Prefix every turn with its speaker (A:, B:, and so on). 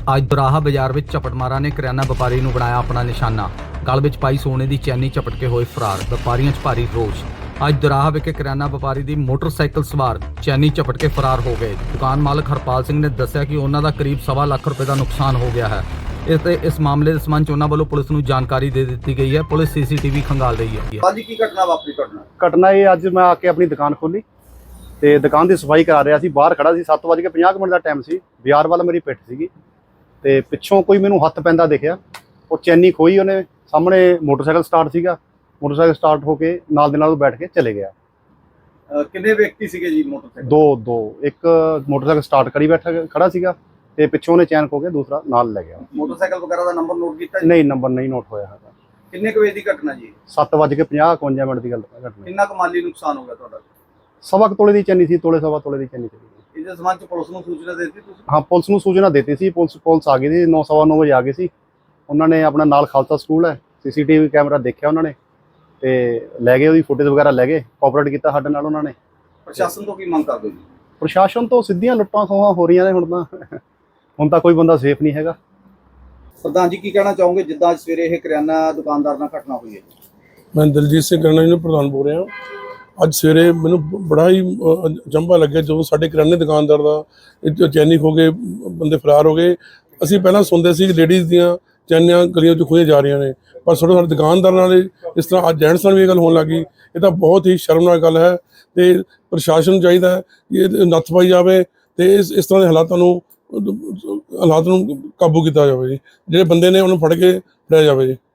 A: ਅੱਜ ਦੁਰਾਹਾ ਬਾਜ਼ਾਰ ਵਿੱਚ ਝਪਟਮਾਰਾਂ ਨੇ ਕਰਿਆਨਾ ਵਪਾਰੀ ਨੂੰ ਬਣਾਇਆ ਆਪਣਾ ਨਿਸ਼ਾਨਾ। ਗਲ ਵਿੱਚ ਪਾਈ ਸੋਨੇ ਦੀ ਚੈਨੀ ਝਪਟ ਕੇ ਹੋਏ ਫਰਾਰ। ਵਪਾਰੀਆਂ 'ਚ ਭਾਰੀ ਰੋਸ। ਅੱਜ ਦੁਰਾਹਾ ਵਿਖੇ ਕਰਿਆਨਾ ਵਪਾਰੀ ਦੀ ਮੋਟਰਸਾਈਕਲ ਸਵਾਰ ਚੈਨੀ ਝਪਟ ਕੇ ਫਰਾਰ ਹੋ ਗਏ। ਦੁਕਾਨ ਮਾਲਕ ਹਰਪਾਲ ਸਿੰਘ ਨੇ ਦੱਸਿਆ ਕਿ ਉਹਨਾਂ ਦਾ ਕਰੀਬ ਸਵਾ ਲੱਖ ਰੁਪਏ ਦਾ ਨੁਕਸਾਨ ਹੋ ਗਿਆ ਹੈ। ਇਸ ਮਾਮਲੇ ਦੇ ਸੰਬੰਧ 'ਚ ਉਹਨਾਂ ਵੱਲੋਂ ਪੁਲਿਸ ਨੂੰ ਜਾਣਕਾਰੀ ਦੇ ਦਿੱਤੀ ਗਈ ਹੈ। ਪੁਲਿਸ ਸੀਸੀਟੀਵੀ ਖੰਗਾਲ ਰਹੀ ਹੈ।
B: ਅੱਜ ਕੀ ਘਟਨਾ ਵਾਪਰੀ?
C: ਘਟਨਾ ਇਹ ਅੱਜ ਮੈਂ ਆ ਕੇ ਆਪਣੀ ਦੁਕਾਨ ਖੋਲੀ ਤੇ ਦੁਕਾਨ ਦੀ ਸਫਾਈ ਕਰਾ ਰਿਹਾ ਸੀ। ਬਾਹਰ ਖੜਾ ਸੀ। 7:50 ਦਾ ਟਾਈਮ ਸੀ। ਬਾਜ਼ਾਰ ਵੱਲ ਮੇਰੀ ਪਿੱਠ ਸੀਗੀ ਤੇ ਪਿੱਛੋਂ ਕੋਈ ਮੈਨੂੰ ਹੱਥ ਪੈਂਦਾ ਦਿਖਿਆ। ਉਹ ਚੈਨੀ ਖੋਈ ਉਹਨੇ। ਸਾਹਮਣੇ ਮੋਟਰਸਾਈਕਲ ਸਟਾਰਟ ਸੀਗਾ। ਮੋਟਰਸਾਈਕਲ ਸਟਾਰਟ ਹੋ ਕੇ ਨਾਲ ਦੇ ਨਾਲ ਉਹ ਬੈਠ ਕੇ ਚਲੇ ਗਿਆ।
B: ਕਿੰਨੇ ਵਿਅਕਤੀ ਸੀਗੇ ਜੀ ਮੋਟਰਸਾਈਕਲ?
C: ਦੋ ਇੱਕ ਮੋਟਰਸਾਈਕਲ ਸਟਾਰਟ ਕਰੀ ਖੜਾ ਸੀਗਾ ਤੇ ਪਿੱਛੋਂ ਉਹਨੇ ਚੈਨ ਖੋ ਕੇ ਦੂਸਰਾ ਨਾਲ ਲੈ ਗਿਆ।
B: ਮੋਟਰਸਾਈਕਲ ਵਗੈਰਾ ਦਾ ਨੰਬਰ ਨੋਟ ਕੀਤਾ ਜੀ?
C: ਨਹੀਂ, ਨੰਬਰ ਨਹੀਂ ਨੋਟ ਹੋਇਆ ਹੈਗਾ।
B: ਕਿੰਨੇ ਕੁ ਵਜੇ ਦੀ ਘਟਨਾ ਜੀ?
C: 7:50 51 ਮਿੰਟ ਦੀ ਗੱਲ ਘਟਨਾ।
B: ਕਿੰਨਾ ਕੁ ਮਾਲੀ ਨੁਕਸਾਨ ਹੋ ਗਿਆ ਤੁਹਾਡਾ?
C: ਸਵਾ ਕੁ ਤੋਲੇ ਦੀ ਚੈਨੀ ਸੀ। ਤੋਲੇ ਸਵਾ ਤੋਲੇ ਦੀ ਚੈਨੀ ਸੀ।
B: ਇਹਦੇ ਸੰਬੰਧ ਚ ਪੁਲਿਸ ਨੂੰ ਸੂਚਨਾ ਦੇ ਦਿੱਤੀ ਤੁਸੀਂ?
C: ਹਾਂ, ਪੁਲਿਸ ਨੂੰ ਸੂਚਨਾ ਦਿੱਤੀ ਸੀ। ਪੁਲਿਸ ਆ ਗਈ ਸੀ। 9:15 ਵਜੇ ਆ ਗਈ ਸੀ। ਉਹਨਾਂ ਨੇ ਆਪਣਾ ਨਾਲ ਖਾਲਸਾ ਸਕੂਲ ਹੈ, ਸੀਸੀਟੀਵੀ ਕੈਮਰਾ ਦੇਖਿਆ ਉਹਨਾਂ ਨੇ ਤੇ ਲੈ ਗਏ। ਉਹਦੀ ਫੁਟੇਜ ਵਗੈਰਾ ਲੈ ਗਏ। ਕੋਆਪਰੇਟ ਕੀਤਾ ਸਾਡੇ ਨਾਲ ਉਹਨਾਂ ਨੇ।
B: ਪ੍ਰਸ਼ਾਸਨ ਤੋਂ ਕੀ ਮੰਗ ਕਰਦੇ ਜੀ?
C: ਪ੍ਰਸ਼ਾਸਨ ਤੋਂ ਸਿੱਧੀਆਂ ਲੁੱਟਾਂ ਖੋਹਾਂ ਹੋ ਰਹੀਆਂ ਨੇ ਹੁਣ ਤਾਂ ਕੋਈ ਬੰਦਾ ਸੇਫ ਨਹੀਂ ਹੈਗਾ।
B: ਪ੍ਰਧਾਨ ਜੀ ਕੀ ਕਹਿਣਾ ਚਾਹੋਗੇ ਜਿੱਦਾਂ ਅੱਜ ਸਵੇਰੇ ਇਹ ਕਰਿਆਨਾ ਦੁਕਾਨਦਾਰ ਨਾਲ ਘਟਨਾ ਹੋਈ ਹੈ?
D: ਮੈਂ ਦਲਜੀਤ ਸਿੰਘ ਕਰਨਾ ਜੀ ਨੂੰ ਪ੍ਰਧਾਨ ਬੋਲ ਰਿਹਾ। ਅੱਜ ਸਵੇਰੇ ਮੈਨੂੰ ਬੜਾ ਹੀ ਅਚੰਭਾ ਲੱਗਿਆ ਜਦੋਂ ਸਾਡੇ ਕਰਿਆਨੇ ਦੁਕਾਨਦਾਰ ਦਾ ਚੈਨੀ ਖੋ ਕੇ ਬੰਦੇ ਫਰਾਰ ਹੋ ਗਏ। ਅਸੀਂ ਪਹਿਲਾਂ ਸੁਣਦੇ ਸੀ ਕਿ ਲੇਡੀਜ਼ ਦੀਆਂ ਚੈਨੀਆਂ ਗਲੀਆਂ 'ਚ ਖੋਹੀਆਂ ਜਾ ਰਹੀਆਂ ਨੇ, ਪਰ ਸਾਡੇ ਦੁਕਾਨਦਾਰ ਨਾਲ ਇਸ ਤਰ੍ਹਾਂ ਅੱਜ ਜੈਂਟਸ ਨਾਲ ਵੀ ਇਹ ਗੱਲ ਹੋਣ ਲੱਗੀ। ਇਹ ਤਾਂ ਬਹੁਤ ਹੀ ਸ਼ਰਮਨਾਕ ਗੱਲ ਹੈ ਤੇ ਪ੍ਰਸ਼ਾਸਨ ਨੂੰ ਚਾਹੀਦਾ ਹੈ ਕਿ ਇਹ ਨੱਥ ਪਾਈ ਜਾਵੇ ਤੇ ਇਸ ਤਰ੍ਹਾਂ ਦੇ ਹਾਲਾਤਾਂ ਨੂੰ ਕਾਬੂ ਕੀਤਾ ਜਾਵੇ ਜੀ। ਜਿਹੜੇ ਬੰਦੇ ਨੇ ਉਹਨੂੰ ਫੜ ਕੇ ਫੜਿਆ ਜਾਵੇ ਜੀ।